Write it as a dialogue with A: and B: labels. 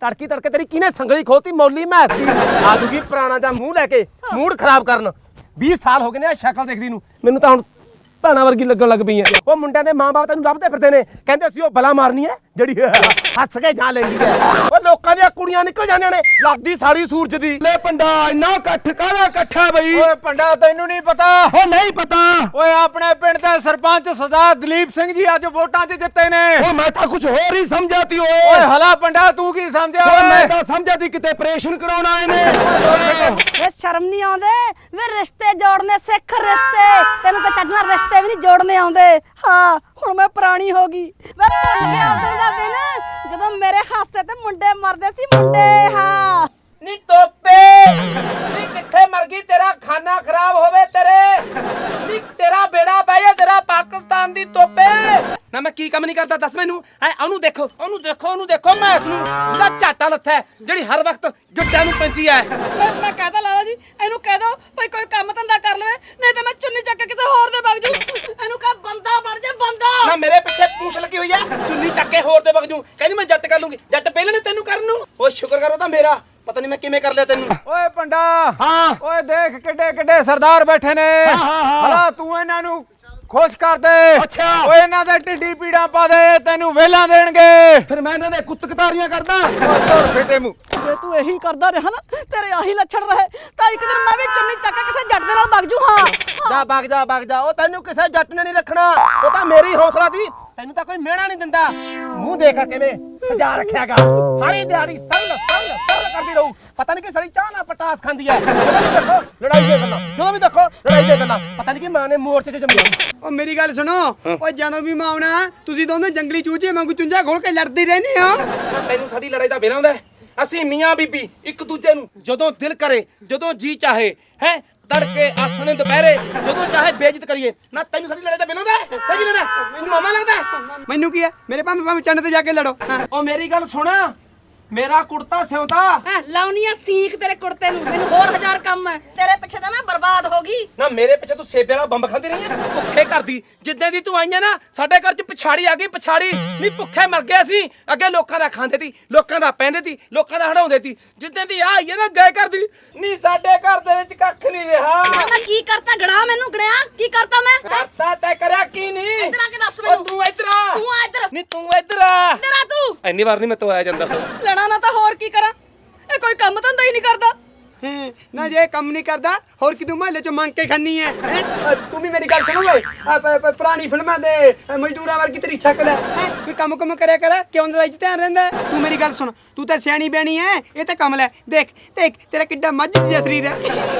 A: ਤੜਕੀ ਤੜਕੇ ਤੇਰੀ ਕਿਹਨੇ ਸੰਗਲੀ ਖੋਤੀ ਮੌਲੀ ਮੈਸ ਦੀ ਆ ਜੂਗੀ ਪੁਰਾਣਾ ਜਾਂ ਮੂੰਹ ਲੈ ਕੇ ਮੂਡ ਖਰਾਬ ਕਰਨ 20 ਸਾਲ ਹੋ ਗਏ ਨੇ ਆ ਸ਼ਕਲ ਦੇਖਦੀ ਨੂੰ ਮੈਨੂੰ ਤਾਂ ਹੁਣ ਭੈਣਾਂ ਵਰਗੀ ਲੱਗਣ ਲੱਗ ਪਈ ਐ ਉਹ ਮੁੰਡਿਆਂ ਦੇ ਮਾਂ-ਬਾਪ ਤੈਨੂੰ ਲੱਭਦੇ ਫਿਰਦੇ ਨੇ ਕਹਿੰਦੇ ਅਸੀਂ ਉਹ ਬਲਾ ਮਾਰਨੀ ਐ ਜਿਹੜੀ ਹੱਸ ਕੇ ਜਾ ਲੈਂਦੀ ਐ ਉਹ ਲੋਕਾਂ ਦੀਆਂ ਕੁੜੀਆਂ ਨਿਕਲ ਜਾਂਦੀਆਂ ਨੇ ਲੱਗਦੀ ਸਾੜੀ ਸੂਰਜ ਦੀ ਲੈ ਪੰਡਾ ਇੰਨਾ ਇਕੱਠ ਕਾਹਦਾ ਇਕੱਠਾ ਬਈ
B: ਓਏ ਪੰਡਾ ਤੈਨੂੰ ਨਹੀਂ ਪਤਾ
A: ਉਹ ਨਹੀਂ ਪਤਾ
B: ਓਏ ਆਪਣੇ ਪਿੰਡ ਦੇ ਸਰਪੰਚ ਸਰਦਾਰ ਦਲੀਪ ਸਿੰਘ ਜੀ ਅੱਜ ਵੋਟਾਂ 'ਚ ਜਿੱਤੇ ਨੇ
A: ਉਹ ਮੈਂ ਤਾਂ ਕੁਝ ਹੋਰ ਹੀ ਸਮਝਿਆ ਤੀ
B: ਓਏ ਹਲਾ ਪੰਡਾ ਤੂੰ ਕੀ ਸਮਝਿਆ
A: ਓਏ ਮੈਂ
B: ਓਏ
A: ਤਾਂ ਸਮਝਿਆ ਤੀ ਕਿਤੇ ਆਪਰੇਸ਼ਨ ਕਰਾਉਣ ਆਏ ਨੇ
C: ਵੇ ਸ਼ਰਮ ਨਹੀਂ ਆਉਂਦੇ ਵੇ ਰਿਸ਼ਤੇ ਜੋੜਨੇ ਸਿੱਖ ਰਿਸ਼ਤੇ ਤੈਨੂੰ ਤਾਂ ਚੱਜ ਨਾਲ ਰਿਸ਼ਤੇ ਵੀ ਨਹੀਂ ਜੋੜਨੇ ਆਉਂਦੇ ਹਾਂ ਹੁਣ ਮੈਂ ਪੁਰਾਣੀ ਹੋ ਗਈ ਵੇ ਭੁੱਲ ਗਿਆ ਉਦੋਂ ਦਾ ਦਿਨ ਜਦੋਂ ਮੇਰੇ ਹਾਸੇ ਤੇ ਮੁੰਡੇ ਮਰਦੇ ਸੀ ਮੁੰਡੇ ਹਾਂ
A: ਨੀ ਟੋਪੇ ਨੀ ਕਿੱਥੇ ਮਰ ਗਈ ਤੇਰਾ ਖਾਨਾ ਖਰਾਬ ਹੋਵੇ ਤੇਰੇ ਨੀ ਤੇਰਾ ਬੇੜਾ ਬਹਿ ਜਾ ਤੇਰਾ ਪਾਕਿਸਤਾਨ ਦੀ ਟੋਪੇ ਨਾ ਮੈਂ ਕੀ ਕੰਮ ਨਹੀਂ ਕਰਦਾ ਦੱਸ ਮੈਨੂੰ ਐ ਉਹਨੂੰ ਦੇਖੋ ਮੈਂ ਇਸ ਨੂੰ ਉਹਦਾ ਝਾਟਾ ਲੱਥਾ ਹੈ, ਜਿਹੜੀ ਹਰ ਵਕਤ ਜੁੱਟਿਆਂ ਨੂੰ ਪੈਂਦੀ ਐ
C: ਮੈਂ ਕਹਦਾ ਲਾਲਾ ਜੀ ਇਹਨੂੰ ਕਹਿ ਦੋ ਭਾਈ ਕੋਈ ਕੰਮ ਧੰਦਾ ਕਰ ਲਵੇ ਨਹੀਂ ਤਾਂ ਮੈਂ ਚੁੰਨੀ ਚੱਕ ਕੇ ਕਿਸੇ ਹੋਰ ਦੇ ਵਗ ਜੂ ਇਹਨੂੰ ਕਹ ਬੰਦਾ ਬਣ ਜਾ ਬੰਦਾ
A: ਨਾ ਮੇਰੇ ਪਿੱਛੇ ਪੂਛ ਲੱਗੀ ਹੋਈ ਐ ਚੁੰਨੀ ਚੱਕ ਕੇ ਹੋਰ ਦੇ ਵਗ ਜੂ ਕਹਿੰਦੀ ਮੈਂ ਜੱਟ ਕਰ ਲੂੰਗੀ ਜੱਟ ਪਹਿਲਾਂ ਨੇ ਤੈਨੂੰ ਕਰਨ ਨੂੰ ਉਹ ਸ਼ੁਕਰ ਕਰੋ ਤਾਂ ਮੇਰਾ ਪਤਾ ਨਹੀਂ ਮੈਂ ਕਿਵੇਂ ਕਰ ਲਿਆ ਤੈਨੂੰ
B: ਓਏ ਪੰਡਾ
A: ਹਾਂ
B: ਓਏ ਦੇਖ ਕਿੱਡੇ ਕਿੱਡੇ ਸਰਦਾਰ ਬੈਠੇ ਨੇ ਹਲਾ ਤੂੰ ਇਹਨਾਂ ਨੂੰ ਖੁਸ਼ ਕਰ ਦੇ
A: ਅੱਛਾ।
B: ਓਏ ਇਹਨਾਂ ਦੇ ਢਿੱਡੀ ਪੀੜਾਂ ਪਾ ਦੇ ਤੈਨੂੰ ਵੇਲਾਂ ਦੇਣਗੇ
A: ਫਿਰ ਮੈਂ ਇਹਨਾਂ ਦੇ ਕੁੱਤ ਕਤਾਰੀਆਂ ਕਰਦਾ
B: ਓਏ ਤੋੜ ਫੇਟੇ ਮੂੰਹ
C: ਜੇ ਤੂੰ ਇਹੀ ਕਰਦਾ ਰਿਹਾ ਨਾ ਤੇਰੇ ਆਹੀ ਲੱਛਣ ਰਹੇ ਤਾਂ ਇੱਕ ਦਿਨ ਮੈਂ ਵੀ ਚੁੰਨੀ ਚੱਕ ਕੇ ਕਿਸੇ ਜੱਟ ਦੇ ਨਾਲ ਵਗ ਜੂ ਹਾਂ
A: ਵਗ ਜਾ ਉਹ ਤੈਨੂੰ ਕਿਸੇ ਜੱਟ ਨੇ ਨਹੀਂ ਰੱਖਣਾ ਉਹ ਤਾਂ ਮੇਰੀ ਹੌਸਲਾ ਸੀ ਤੈਨੂੰ ਤਾਂ ਕੋਈ ਮਿਹਣਾ ਨਹੀਂ ਦਿੰਦਾ ਮੂੰਹ ਦੇਖਾ ਕਿਵੇਂ ਸਜਾ ਰੱਖਿਆਗਾ ਸਾਰੀ ਦਿਹਾੜੀ ਸਰਲ ਕਰਦੀ ਰਹੂ ਪਤਾ ਨਹੀਂ ਕਿ ਸੜੀ ਚਾਹ ਨਾਲ ਪਟਾਸ ਖਾਂਦੀ ਐ ਜਦੋਂ ਵੀ ਦੇਖੋ ਲੜਾਈ ਦੇ ਗੱਲਾਂ ਪਤਾ ਨਹੀਂ ਕਿ ਮਾਂ ਨੇ ਮੋਰਚੇ 'ਚ ਜੰਮਿਆ
D: ਓ ਮੇਰੀ ਗੱਲ ਸੁਣੋ ਓ ਜਦੋਂ ਵੀ ਮੈਂ ਆਉਣਾ ਤੁਸੀਂ ਦੋਨੋਂ ਜੰਗਲੀ ਚੂਚੇ ਵਾਂਗੂ ਚੁੰਝਾ ਖੋਲ ਕੇ ਲੜਦੇ ਰਹਿੰਦੇ ਹੋ
A: ਤੈਨੂੰ ਸਾਡੀ ਲੜਾਈ ਦਾ ਵੇਲਾ ਹੁੰਦਾ ਅਸੀਂ ਮੀਆਂ ਬੀਬੀ ਇੱਕ ਦੂਜੇ ਨੂੰ ਜਦੋਂ ਦਿਲ ਕਰੇ ਜਦੋਂ ਜੀ ਚਾਹੇ ਹੈ ਤੜਕੇ ਆਥਣੇ ਦੁਪਹਿਰੇ ਜਦੋਂ ਚਾਹੇ ਬੇਇੱਜ਼ਤ ਕਰੀਏ ਨਾ ਤੈਨੂੰ ਸਾਡੀ ਲੜਾਈ ਦਾ ਵੇਲਾ ਹੁੰਦਾ ਤੇ ਕੀ ਲੜਾ ਮੈਨੂੰ ਮਾਮਾ ਲੱਗਦਾ
D: ਮੈਨੂੰ ਕੀ ਹੈ ਮੇਰੇ ਭਾਵੇਂ ਚੰਨ ਤੇ ਜਾ ਕੇ ਲੜੋ ਹਾਂ
A: ਉਹ ਮੇਰੀ ਗੱਲ ਸੁਣ ਮੇਰਾ ਕੁੜਤਾ ਸਿਉਂਦਾ
C: ਲਾਉਣੀਆਂ ਸੀਖ ਤੇਰੇ ਕੁੜਤੇ ਨੂੰ ਮੈਨੂੰ ਹੋਰ ਹਜ਼ਾਰ ਕੰਮ ਹੈ ਤੇਰੇ ਪਿੱਛੇ ਤਾਂ ਮੈਂ ਬਰਬਾਦ ਹੋ ਗਈ
A: ਨਾ ਮੇਰੇ ਪਿੱਛੇ ਤੂੰ ਸੇਬੇ ਵਾਲਾ ਬੰਬ ਖਾਂਦੀ ਰਹੀ ਹੈ ਭੁੱਖੇ ਕਰਦੀ ਜਿੱਦਾਂ ਦੀ ਤੂੰ ਆਈਆਂ ਨਾ ਸਾਡੇ ਘਰ 'ਚ ਪਛਾੜੀ ਆ ਗਈ ਪਛਾੜੀ ਨਹੀਂ ਭੁੱਖੇ ਮਰ ਗਏ ਸੀ ਅੱਗੇ ਲੋਕਾਂ ਦਾ ਖਾਂਦੇ ਸੀ ਲੋਕਾਂ ਦਾ ਪੈਂਦੇ ਸੀ ਲੋਕਾਂ ਦਾ ਹੜਾਉਂਦੇ ਸੀ ਜਿੱਦਾਂ ਦੀ ਆ ਆਈ ਹੈ ਨਾ ਗਏ ਕਰਦੀ ਨਹੀਂ ਸਾਡੇ ਘਰ ਦੇ ਵਿੱਚ ਕੱਖ ਨਹੀਂ ਰਿਹਾ
C: ਮੈਂ ਕੀ ਕਰਤਾ ਗੜਾ ਮੈਨੂੰ ਗੜਿਆ ਕੀ ਕਰਤਾ ਮੈਂ
A: ਕਰਤਾ ਤੈ ਕਰਿਆ ਕੀ ਨਹੀਂ
C: ਇੱਧਰ ਆ ਕੇ ਦੱਸ ਮੈਨੂੰ
A: ਤੂੰ ਇੱਧਰ ਆ
C: ਤੂੰ ਆ ਇੱਧਰ
A: ਨਹੀਂ ਤੂੰ ਇੱਧਰ ਆ
C: ਇੱਧਰ ਆ ਤੂੰ
A: ਇੰਨੀ ਵਾਰ ਨਹੀਂ ਮੈਂ ਤੋਂ ਆਇਆ ਜਾਂਦਾ
C: ਲੜਾ ਨਾ ਤਾਂ ਹੋਰ ਕੀ ਕਰਾਂ ਇਹ ਕੋਈ ਕੰਮ ਧੰਦਾ ਹੀ ਨਹੀਂ ਕਰਦਾ
D: ਨਾ ਜੇ ਕੰਮ ਨਹੀਂ ਕਰਦਾ ਹੋਰ ਕਿਦੋਂ ਮਹੱਲੇ ਚੋਂ ਮੰਗ ਕੇ ਖਾਨੀ ਹੈ ਤੂੰ ਵੀ ਮੇਰੀ ਗੱਲ ਸੁਣੋ ਓਏ ਪੁਰਾਣੀ ਫਿਲਮਾਂ ਦੇ ਮਜ਼ਦੂਰਾਂ ਵਰਗੀ ਤੇਰੀ ਸ਼ਕਲ ਹੈ ਕੋਈ ਕੰਮ ਕਰਿਆ ਕਰ ਕਿਉਂ ਲੜਾਈ 'ਚ ਧਿਆਨ ਰਹਿੰਦਾ ਤੂੰ ਮੇਰੀ ਗੱਲ ਸੁਣ ਤੂੰ ਤਾਂ ਸਿਆਣੀ ਬਿਆਣੀ ਹੈ ਇਹ ਤਾਂ ਕਮਲ ਹੈ ਦੇਖ ਤੇਰਾ ਕਿੱਡਾ ਮੱਝ ਜਿਹਾ ਸਰੀਰ ਹੈ